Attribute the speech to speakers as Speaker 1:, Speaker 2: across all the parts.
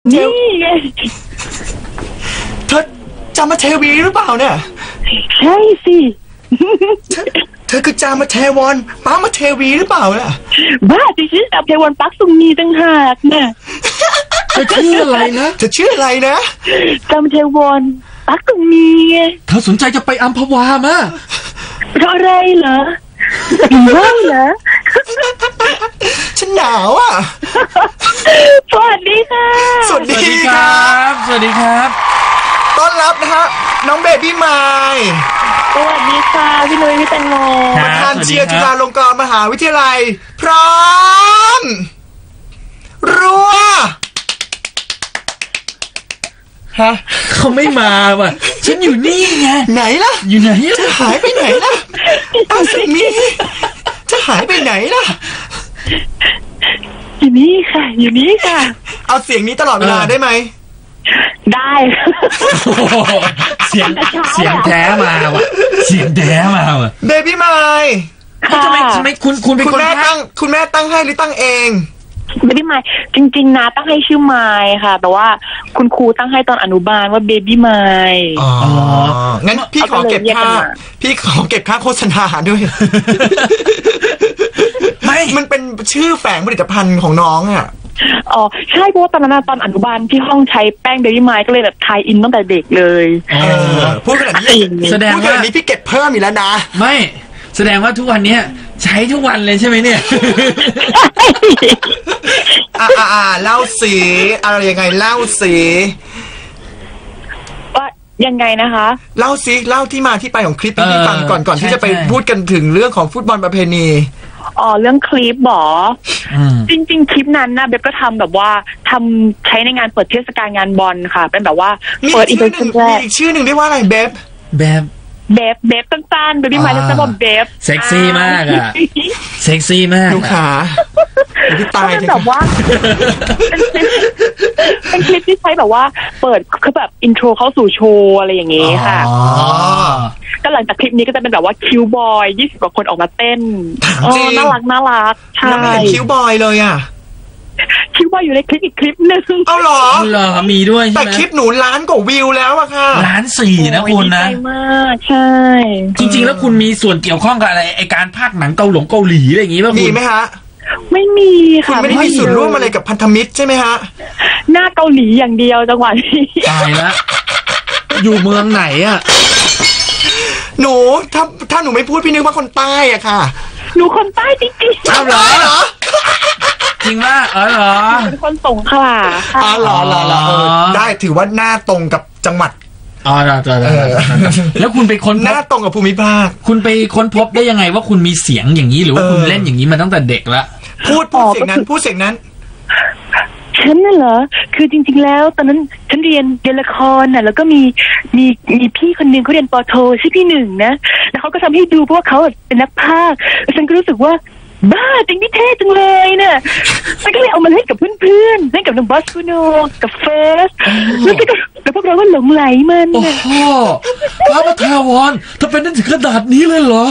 Speaker 1: นี่ไง
Speaker 2: เธอจามาเทวีหรือเปล่าเนี่ย
Speaker 1: ใช่สิ
Speaker 2: เธอคือจามาเทวอนป้ามาเทวีหรือเปล่าล่ะ
Speaker 1: บ้าดิฉันจามาเทวอนปักซุงนีตั้งหากน่ะ
Speaker 2: เธอชื่ออะไรนะเธอชื่ออะไรนะ
Speaker 1: จามาเทวอนปักซุงนี
Speaker 2: เธอสนใจจะไปอัมพวามา
Speaker 1: เพราะอะไรเหรอว่างเหรอ
Speaker 2: ฉันหนาวอ่ะ
Speaker 1: สวัสดีค่ะ
Speaker 2: สวัสดีครับสวัสดีครับต้อนรับนะฮะน้องเบบี้ไมล์
Speaker 1: สวัสดีค่ะพี่นุ้ยพี่แตงโม
Speaker 2: ประธานเชียร์จุฬาลงกรณ์มหาวิทยาลัยพร้อมรัวฮะเขาไม่มาว่ะฉันอยู่นี่ไงไหนล่ะอยู่ไหนจะหายไปไหนล่ะเอาสิมีจะหายไปไหนล่ะ
Speaker 1: อยู่นี่ค่ะอยู่นี่ค่ะ
Speaker 2: เอาเสียงนี้ตลอดเวลาได้ไหม
Speaker 1: ได้
Speaker 3: เสียงแท้มาว่ะเสียงแท้มาว่ะ
Speaker 2: เบบี้ไมล์
Speaker 3: ทำไมคุณเป็นคน
Speaker 2: แม่ตั้งคุณแม่ตั้งให้หรือตั้งเอง
Speaker 1: เบบี้ไมล์จริงๆนะตั้งให้ชื่อไมล์ค่ะแต่ว่าคุณครูตั้งให้ตอนอนุบาลว่าเบบี้ไมล์
Speaker 2: อ๋องั้นพี่ขอเก็บค่าโฆษณาด้วยไม่มันเป็นชื่อแฝงผลิตภัณฑ์ของน้องอ่ะ
Speaker 1: อ๋อใช่เพราะว่าตอนนั้นตอนอนุบาลที่ห้องใช้แป้งเบบี้ไมล์ก็เลยแบบทายอินตั้งแต่เด็กเลย
Speaker 2: พูดขนาดนี้แสดงว่านี้พี่เก็บเพิ่มอีกแล้วนะ
Speaker 3: ไม่แสดงว่าทุกวันนี้ใช้ทุกวันเลยใช่ไหมเนี่ย
Speaker 2: เล่าสิอะไรยังไงเล่าสิ
Speaker 1: ว่ายังไงนะคะ
Speaker 2: เล่าสิเล่าที่มาที่ไปของคลิปนี้ฟังก่อนที่จะไปพูดกันถึงเรื่องของฟุตบอลประเพณี
Speaker 1: อ๋อเรื่องคลิปหรอจริงๆคลิปนั้นนะเบบก็ทำแบบว่าทำใช้ในงานเปิดเทศกาลงานบอลค่ะเป็นแบบว่าเปิดอีเวนต์แรก
Speaker 2: มีอีกชื่อหนึ่งเรียกว่าอะไรเ
Speaker 1: บบตั้นๆเบบี้ไมล์จะบอกเบบ
Speaker 3: เซ็กซี่มากอ่ะเซ็กซี่มาก
Speaker 2: ลูกขาพี่ตาย
Speaker 1: แบบว่าเป็นคลิปที่ใช้แบบว่าเปิดคือแบบอินโทรเข้าสู่โชว์อะไรอย่างงี้ค่ะก็หลังจากคลิปนี้ก็จะเป็นแบบว่าคิวบอย20 กว่าคนออกมาเต้นน่ารักใช่
Speaker 2: แล้วไม่เห็นคิวบอยเลยอ่ะ
Speaker 1: คิวบอยอยู่ในคลิปอีกคลิปนึง
Speaker 2: เอาเหรอ
Speaker 3: มีด้วยใช่ไหม
Speaker 2: แต่คลิปหนูล้านกว่าวิวแล้วอะค่ะ
Speaker 3: 1,400,000นะคุณนะ
Speaker 1: ดีใจมากใช่
Speaker 3: จริงๆแล้วคุณมีส่วนเกี่ยวข้องกับอะไรไอการพากย์หนังเกาหลีอะไรอย่างงี้ป่ะคุณ
Speaker 2: มีไหมฮะ
Speaker 1: ไม่มีค่ะ
Speaker 2: ไม่ได้มีส่วนร่วมอะไรกับพันธมิตรใช่ไหมฮะ
Speaker 1: หน้าเกาหลีอย่างเดียวจังหวะนี้
Speaker 3: ตายแล้วอยู่เมืองไหนอะ
Speaker 2: หนูถ้าหนูไม่พูดพี่นึกว่าคนใต้อะค่ะ
Speaker 1: หนูคนใต้จริงๆ
Speaker 2: เอาเหรอ
Speaker 3: จริงว่าเหรอ
Speaker 1: เป็นคนสงขลา
Speaker 2: ค่ะเหรอได้ถือว่าหน้าตรงกับจังหวัด
Speaker 3: แล้วคุณไปค้น
Speaker 2: หน้าตรงกับภูมิภาค
Speaker 3: คุณไปค้นพบได้ยังไงว่าคุณมีเสียงอย่างนี้หรือว่าคุณเล่นอย่างนี้มาตั้งแต่เด็กแล้ว
Speaker 2: พูดเสียงนั้น
Speaker 1: ฉันน่ะเหรอคือจริงๆแล้วตอนนั้นฉันเรียนละครน่ะแล้วก็มีพี่คนนึงเขาเรียนป.โทชื่อพี่หนึ่งนะแล้วเขาก็ทำให้ดูเพราะว่าเขาเป็นนักพากย์แล้วฉันก็รู้สึกว่าบ้าจริงพี่เท่จังเลยเนี่ยฉันก็เลยเอามาเล่นกับเพื่อนๆเล่นกับน้องบอสคูโนกับเฟสแล้วพวกเราก็หลงไหลมัน
Speaker 3: โอ้โหพระประทาวรถ้าเป็นนั่นถึงขนาดนี้เลยเหรอ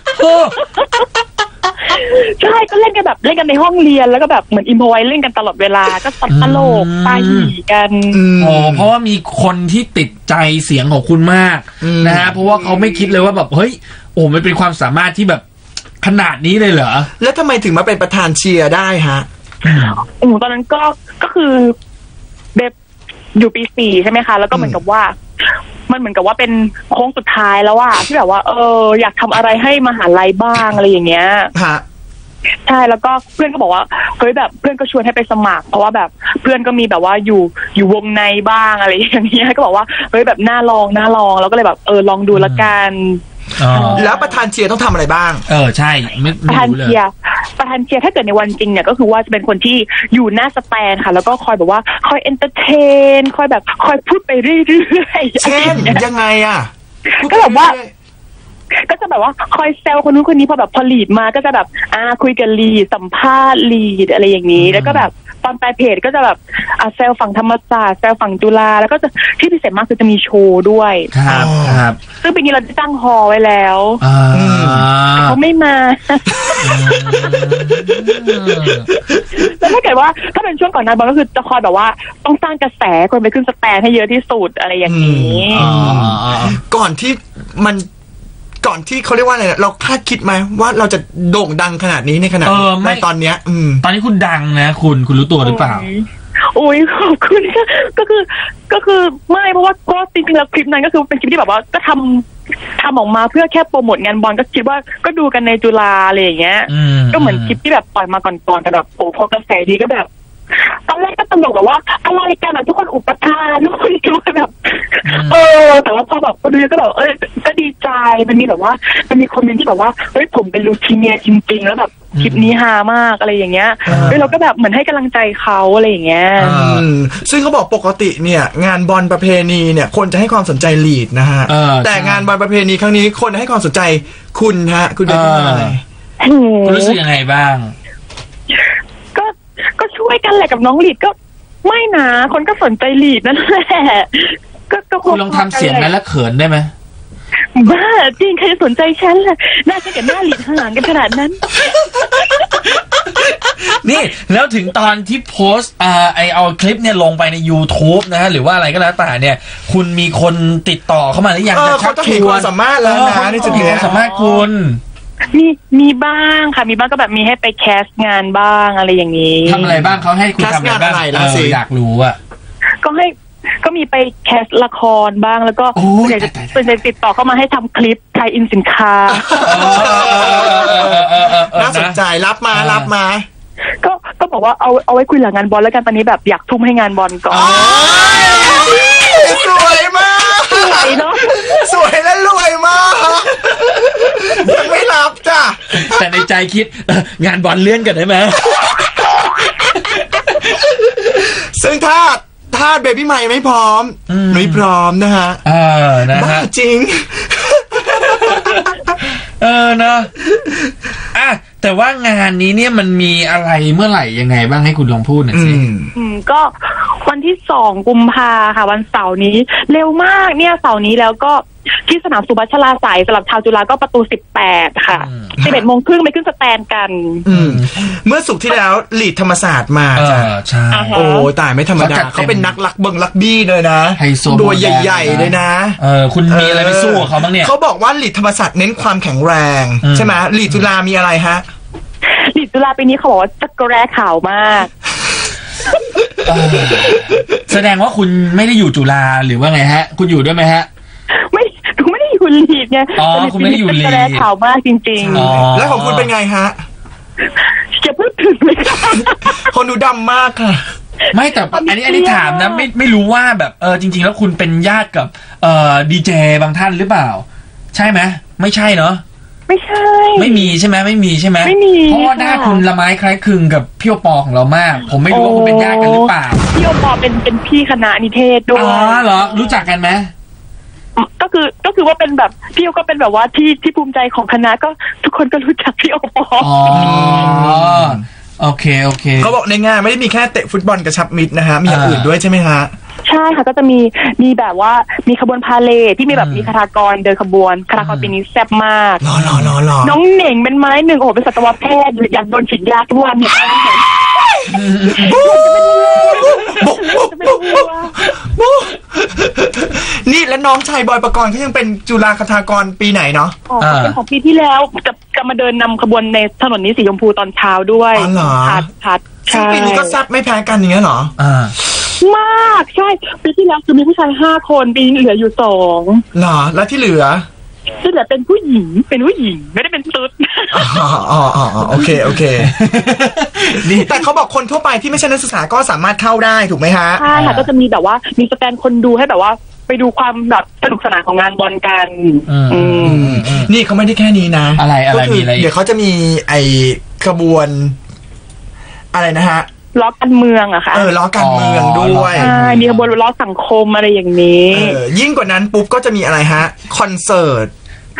Speaker 1: ใช่ก็เล่นกันแบบเล่นกันในห้องเรียนแล้วก็แบบเหมือนอิมพอไว้เล่นกันตลอดเวลาก็ตลกตาหีกัน
Speaker 3: เพราะว่ามีคนที่ติดใจเสียงของคุณมากนะฮะเพราะว่าเขาไม่คิดเลยว่าแบบเฮ้ยโอ้มันเป็นความสามารถที่แบบขนาดนี้เลยเหรอ
Speaker 2: แล้วทำไมถึงมาเป็นประธานเชียร์ได้ฮะ
Speaker 1: ตอนนั้นก็คือแบบอยู่ปี 4ใช่ไหมคะแล้วก็เหมือนกับว่ามันเหมือนกับว่าเป็นโค้งสุดท้ายแล้วว่าที่แบบว่าอยากทำอะไรให้มหาลัยบ้างอะไรอย่างเงี้ยใช่แล้วก็เพื่อนก็บอกว่าเฮ้ยแบบเพื่อนก็ชวนให้ไปสมัครเพราะว่าแบบเพื่อนก็มีแบบว่าอยู่วงในบ้างอะไรอย่างเงี้ยก็บอกว่าเฮ้ยแบบน่าลองแล้วก็เลยแบบลองดูละกัน
Speaker 2: แล้วประธานเชียร์ต้องทำอะไรบ้าง
Speaker 3: ใช่
Speaker 1: ประธานเชียร์ถ้าเกิดในวันจริงเนี่ยก็คือว่าจะเป็นคนที่อยู่หน้าสแตนค่ะแล้วก็คอยแบบว่าคอยเอนเตอร์เทนคอยแบบคอยพูดไปเรื่อย
Speaker 2: ๆเช่นยังไงอ่ะ
Speaker 1: ก็แบบว่าก็จะแบบว่าคอยแซวคนนู้นคนนี้พอแบบพอลีดมาก็จะแบบคุยกับลีดสัมภาษณ์ลีดอะไรอย่างนี้แล้วก็แบบตอนปลายเพจก็จะแบบแซวฝั่งธรรมศาสตร์แซวฝั่งจุฬาแล้วก็จะที่พิเศษมากคือจะมีโชว์ด้วย
Speaker 3: ครับ
Speaker 1: ซึ่งปีนี้เราจะตั้งฮอไว้แล้วเขาไม่มาแล้วถ้าเกิดว่าถ้าเป็นช่วงก่อนนั้นบอลก็คือจะคอยแบบว่าต้องสร้างกระแสคนไปขึ้นสแตนให้เยอะที่สุดอะไรอย่างนี้
Speaker 2: ก่อนที่เขาเรียกว่าอะไรเราคาดคิดไหมว่าเราจะโด่งดังขนาดนี้ในขณะในตอนเนี้ย
Speaker 3: ตอนนี้คุณดังนะคุณรู้ตัวหรือเปล่า
Speaker 1: โอ้ยขอบคุณก็คือไม่เพราะว่าก็จริงๆแล้วคลิปนั้นก็คือเป็นคลิปที่แบบว่าก็ทำออกมาเพื่อแค่โปรโมทงานบอลก็คิดว่าก็ดูกันในจุฬาอะไรอย่างเงี้ยก็เหมือนคลิปที่แบบปล่อยมาก่อนๆแต่แบบโอ้พอกระแสดีก็แบบตอนแรกก็ตลกแบบว่าอะไรกันทุกคนอุปทานทุกคนคิดว่าแบบแต่ว่าพอแบบก็ดูก็แบบก็ดีใจมันมีแบบว่ามันมีคอมเมนต์ที่แบบว่าเฮ้ยผมเป็นลูคีเมียจริงๆแล้วแบบคลิปนี้ฮามากอะไรอย่างเงี้ยเราก็แบบเหมือนให้กำลังใจเขาอะไรอย่างเงี้ย
Speaker 2: ซึ่งเขาบอกปกติเนี่ยงานบอลประเพณีเนี่ยคนจะให้ความสนใจลีดนะฮะแต่งานบอลประเพณีครั้งนี้คนให้ความสนใจคุณฮะคุณได้ยังไง
Speaker 3: คุณรู้สึกยังไงบ้าง
Speaker 1: ก็ช่วยกันแหละกับน้องลีดก็ไม่นะคนก็สนใจลีดนั่นแหละก็
Speaker 3: คุณลองทำเสียงนั้นแล้วเขินได้ไหม
Speaker 1: บ้าจริงใครสนใจฉันล่ะน่าจะกับหน้าลีดห่างกันขนาดนั้น
Speaker 3: นี่แล้วถึงตอนที่โพสต์เอาคลิปเนี่ยลงไปใน YouTube นะหรือว่าอะไรก็แล้วแต่เนี่ยคุณมีคนติดต่อเข้ามาหรือยัง
Speaker 2: เขาจะเห็นความสามารถแล้วนะนี่จะมี
Speaker 3: ความสามารถคุณ
Speaker 1: มีบ้างค่ะมีบ้างก็แบบมีให้ไปแคสงานบ้างอะไรอย่างนี้
Speaker 3: ทำอะไรบ้างเขาให้คุณทำอะไรบ้างอยากรู้อ่ะ
Speaker 1: ก็มีไปแคสละครบ้างแล้วก็เป็นติดต่อเข้ามาให้ทำคลิปไทยอินสินค้า
Speaker 2: น่าสนใจรับมา
Speaker 1: ก็บอกว่าเอาไว้คุยหลังงานบอลแล้วกันตอนนี้แบบอยากทุ่มให้งานบอลก่อน
Speaker 2: สวยมาก
Speaker 1: สวยเนาะ
Speaker 2: สวยและรวยมากยังไม่รับจ้ะ
Speaker 3: แต่ในใจคิดงานบอลเลื่อนกันได้ไหม
Speaker 2: ซึ่งถ้าเบบี้ใหม่ไม่พร้อมไม่พร้อมนะฮะ
Speaker 3: นะฮะ
Speaker 2: จริง
Speaker 3: นะแต่ว่างานนี้เนี่ยมันมีอะไรเมื่อไหร่ยังไงบ้างให้คุณลองพูดหน่อยสิ
Speaker 1: ก็วันที่2 กุมภาค่ะวันเสาร์นี้เร็วมากเนี่ยเสาร์นี้แล้วก็ที่สนามสุพัชราไสยสำหรับชาวจุฬาก็ประตู18ค่ะ 11:30 น.ไปขึ้นสแตนกัน
Speaker 2: เมื่อศุกร์ที่แล้วลีดธรรมศาสตร์มาจ้ะ
Speaker 3: ใช่
Speaker 2: โอ้ตายไม่ธรรมดาเขาเป็นนักลักบี้เลยนะตัวใหญ่ๆเลยนะ
Speaker 3: คุณมีอะไรไปสู้กับเขาบ้างเนี่ย
Speaker 2: เขาบอกว่าลีดธรรมศาสตร์เน้นความแข็งแรงใช่ไหมลีดจุฬามีอะไรฮะ
Speaker 1: ลีดจุฬาปีนี้เขาบอกว่าจักรแร้ขาวมาก
Speaker 3: แสดงว่าคุณไม่ได้อยู่จุฬาหรือว่าไงฮะคุณอยู่ด้วยไหมฮะ
Speaker 1: ไม่ได้อยู่ลีดไง
Speaker 3: คุณไม่ได้อยู่ลีด
Speaker 1: จักรแร้ขาวมากจริง
Speaker 2: ๆแล้วของคุณเป็นไงฮะ
Speaker 1: จะพูดถึงเลยค่ะ
Speaker 2: คนดูดำมากค่ะ
Speaker 3: ไม่แต่อันนี้ถามนะไม่รู้ว่าแบบจริงๆแล้วคุณเป็นญาติกับดีเจบางท่านหรือเปล่าใช่ไหมไม่ใช่เนาะ
Speaker 1: ไม่ใช่
Speaker 3: ไม่มีใช่ไหมไม่มีใช่ไหม
Speaker 1: ไม่มี
Speaker 3: เพราะว่าหน้าคุณละไม้คล้ายคลึงกับพี่โอปอของเรามากผมไม่รู้ว่าคุณเป็นญาติกันหรือเปล่า
Speaker 1: พี่โอปอเป็นพี่คณะนิเทศด้วย
Speaker 3: เหรอรู้จักกันไหม
Speaker 1: ก็คือว่าเป็นแบบพี่โอก็เป็นแบบว่าที่ภูมิใจของคณะก็ทุกคนก็รู้จักพี่โอปอ
Speaker 3: โอเค
Speaker 2: เขาบอกในงานไม่ได้มีแค่เตะฟุตบอลกระชับมิตรนะฮะมีอย่างอื่นด้วยใช่ไหมฮะ
Speaker 1: ใช่ค่ะก็จะมีแบบว่ามีขบวนพาเลทที่มีแบบมีคณากรเดินขบวนคณากรปีนี้แซ่บมากน้องเหน่งเป็นไม้หนึ่งโอ้โหเป็นสัตวแพทย์อยากโดนฉีดยาทุกวันเนี่ย
Speaker 2: นี่แล้วน้องชายบอยปกรณ์เขายังเป็นจุฬาคณากรปีไหนเนาะ
Speaker 1: เป็นของปีที่แล้วจะมาเดินนำขบวนในถนนนี้สีชมพูตอนเช้าด้วย
Speaker 2: พัดใช่ปีนี้ก็แซ่บไม่แพ้กันอย่างเงี้ยเหรอ
Speaker 1: มากใช่ปีที่แล้วคือมีผู้ชาย5 คนปีนี้เหลืออยู่2
Speaker 2: เหรอแล้วที่เหลือ
Speaker 1: เป็นผู้หญิงไม่ได้เป็นตุ๊ด
Speaker 2: โอเคนี่แต่เขาบอกคนทั่วไปที่ไม่ใช่นักศึกษาก็สามารถเข้าได้ถูกไหมฮะ
Speaker 1: ใช่ค่ะก็จะมีแบบว่ามีสแตนคนดูให้แบบว่าไปดูความแบบสนุกสนานของงานบอลกัน
Speaker 2: นี่เขาไม่ได้แค่นี้นะ
Speaker 3: อะไร
Speaker 2: มีอะไรเดี๋ยวเขาจะมีไอขบวนอะไรนะฮะ
Speaker 1: ล้อการเมืองอะค่ะ
Speaker 2: ล้อการเมืองด้วย
Speaker 1: ใช่มีขบวนล้อสังคมอะไรอย่างนี้
Speaker 2: ยิ่งกว่านั้นปุ๊บก็จะมีอะไรฮะคอนเสิร์ต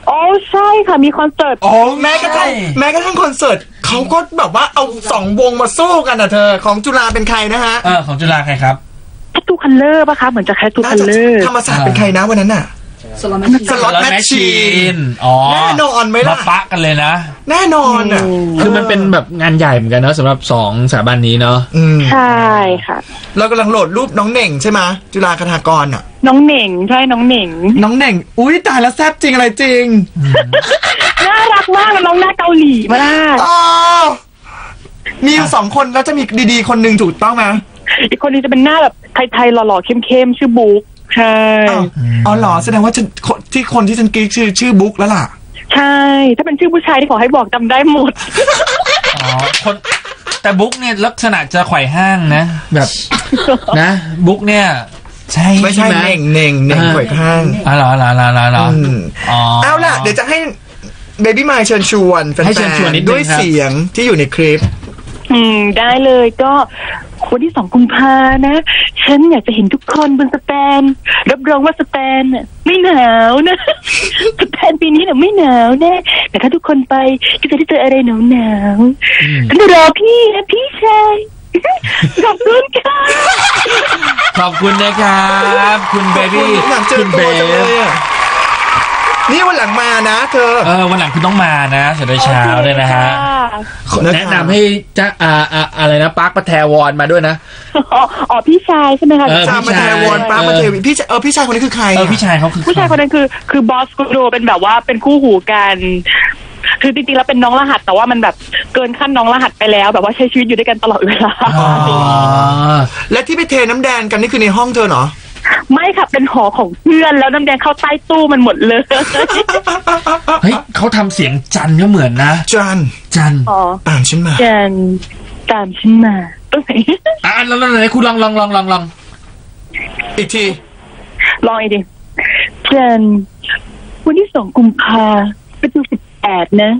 Speaker 1: อ๋อใช่ค่ะมีคอนเสิร์ต
Speaker 2: อ๋อแม้กระทั่งคอนเสิร์ตเขาก็แบบว่าเอา2 วงมาสู้กันอ่ะเธอของจุฬาเป็นใครนะฮะ
Speaker 3: ของจุฬาใครครับ
Speaker 1: แคทูคัลเลอร์ป่ะคะเหมือนจะแคทูคัลเลอร์
Speaker 2: ธรรมศาสตร์เป็นใครนะวันนั้นน่ะสล็อตแมชชีนแน่นอนไหมล่ะ
Speaker 3: มาปะกันเลยนะ
Speaker 2: แน่นอนอ่ะ
Speaker 3: คือมันเป็นแบบงานใหญ่เหมือนกันเนาะสำหรับ2สถาบันนี้เนาะ
Speaker 1: ใช่ค่ะ
Speaker 2: เรากำลังโหลดรูปน้องเหน่งใช่ไหมจุฬาคณากรอ่ะ
Speaker 1: น้องเหน่งใช่น้องเหน่ง
Speaker 2: อุ้ยตายแล้วแซ่บจริงอะไรจริง
Speaker 1: น่ารักมากน้องหน้าเกาหลีมาก
Speaker 2: มีอยู่2 คนแล้วจะมีดีๆคนหนึ่งถูกต้องไหม
Speaker 1: อีกคนนึงจะเป็นหน้าแบบไทยๆหล่อๆเข้มๆชื่อบุ๊กใช่
Speaker 2: อ๋อเหรอแสดงว่าคนที่ฉันกิ๊กชื่อบุ๊กแล้วล่ะ
Speaker 1: ใช่ถ้าเป็นชื่อผู้ชายที่ขอให้บอกจำได้หมด
Speaker 3: คนแต่บุ๊กเนี่ยลักษณะจะไขว่ห้างนะแบบนะบุ๊กเนี่ยใช่
Speaker 2: ไม่ใช่เน่งไขว่ห้าง
Speaker 3: เหรอ
Speaker 2: เอาล่ะเดี๋ยวจะให้เบบี้มายเชิญชวนแฟนๆด้วยเสียงที่อยู่ในคลิป
Speaker 1: ได้เลยก็วันที่2 กุมภานะฉันอยากจะเห็นทุกคนบนสแตนรับรองว่าสแตนไม่หนาวนะสแตนปีนี้เนี่ยไม่หนาวแน่แต่ถ้าทุกคนไปก็จะได้เจออะไรหนาวฉันรอพี่นะพี่ชายขอบคุณค่ะ
Speaker 3: ขอบคุณนะครับคุณเบบี้
Speaker 2: คุณเบบี้นี่วันหลังมานะเธอ
Speaker 3: วันหลังคุณต้องมานะเสร็จเช้าเลยนะฮะแนะนำให้จะอะไรนะปาร์คปะแทวอนมาด้วยนะ
Speaker 1: อ๋อพี่ชายใช่ไหมคะ
Speaker 2: จามาแทวอนปาร์คปะเทวีพี่ชายคนนี้คือใคร
Speaker 3: พี่ชายเขาคือ
Speaker 1: ผู้ชายคนนั้นคือบอสกูโดเป็นแบบว่าเป็นคู่หูกันคือจริงๆแล้วเป็นน้องรหัสแต่ว่ามันแบบเกินขั้นน้องรหัสไปแล้วแบบว่าใช้ชีวิตอยู่ด้วยกันตลอดเวลา
Speaker 2: และที่ไปเทน้ำแดงกันนี่คือในห้องเธอเหรอ
Speaker 1: ไม่ค่ะเป็นหอของเพื่อนแล้วน้ำแดงเข้าใต้ตู้มันหมดเลย
Speaker 3: เฮ้ยเขาทำเสียงจันก็เหมือนนะ
Speaker 2: จันตามฉันมา
Speaker 1: จันตามฉันมา
Speaker 3: แล้วไหนคุณลอง
Speaker 2: อีกที
Speaker 1: ลองอีกทีจันวันที่2 กุมภาประตู18นะ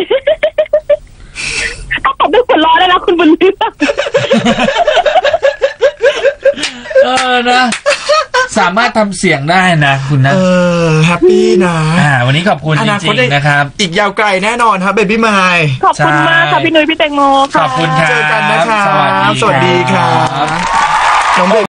Speaker 1: ต้องตอบด้วยหัวเราะได้แล้วคุณบุญเลือก
Speaker 3: นะสามารถทำเสียงได้นะคุณนะ
Speaker 2: แฮปปี้นะ
Speaker 3: วันนี้ขอบคุณจริงๆนะครับ
Speaker 2: อีกยาวไกลแน่นอนครับเบบี้มาย
Speaker 1: ขอบคุณมากค่ะพี่นุ้ยพี่แตงโม
Speaker 3: ขอบคุณครับ
Speaker 2: เจอกันนะครับสวัสดีครับน้อง